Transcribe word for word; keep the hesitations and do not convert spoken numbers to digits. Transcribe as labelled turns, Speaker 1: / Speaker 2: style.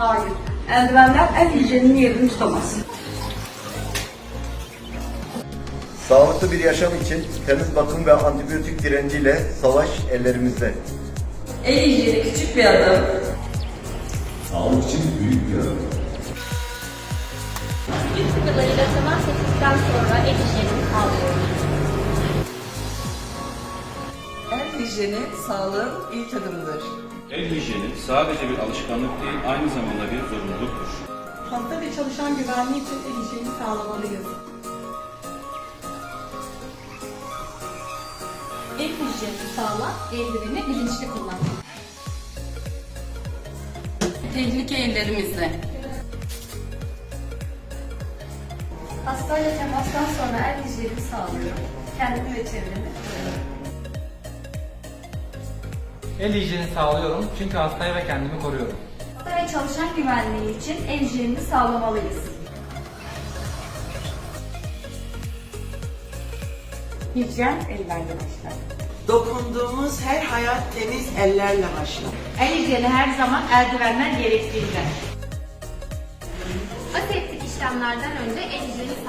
Speaker 1: Hayır. Eldivenler el hijyeninin yerini tutamaz.
Speaker 2: Sağlıklı bir yaşam için temiz bakım ve antibiyotik direnciyle savaş ellerimizde.
Speaker 1: El hijyeni küçük bir adım.
Speaker 2: Sağlık için büyük bir adım.
Speaker 3: Yüz sıvılarıyla temas ettikten sonra el hijyenini sağlıyoruz.
Speaker 1: El hijyeni sağlığın ilk adımıdır.
Speaker 4: El hijyeni sadece bir alışkanlık değil, aynı zamanda bir zorunluluktur.
Speaker 1: Hasta ve çalışan güvenliği için el hijyeni sağlamalıyız.
Speaker 3: El hijyenini sağla, eldiveni bilinçli kullan.
Speaker 1: Tehlike ellerimizde.
Speaker 3: Hastayla temastan sonra el hijyenini sağlıyorum. Kendimi ve çevremi koruyorum.
Speaker 5: El hijyeni sağlıyorum çünkü hastayı ve kendimi koruyorum.
Speaker 3: Hasta ve çalışan güvenliği için el hijyenini sağlamalıyız.
Speaker 6: Hijyen ellerle başlar.
Speaker 7: Dokunduğumuz her hayat temiz ellerle başlar.
Speaker 6: El hijyeni her zaman eldivenler gerektiğinden.
Speaker 3: Aseptik işlemlerden önce el hijyeni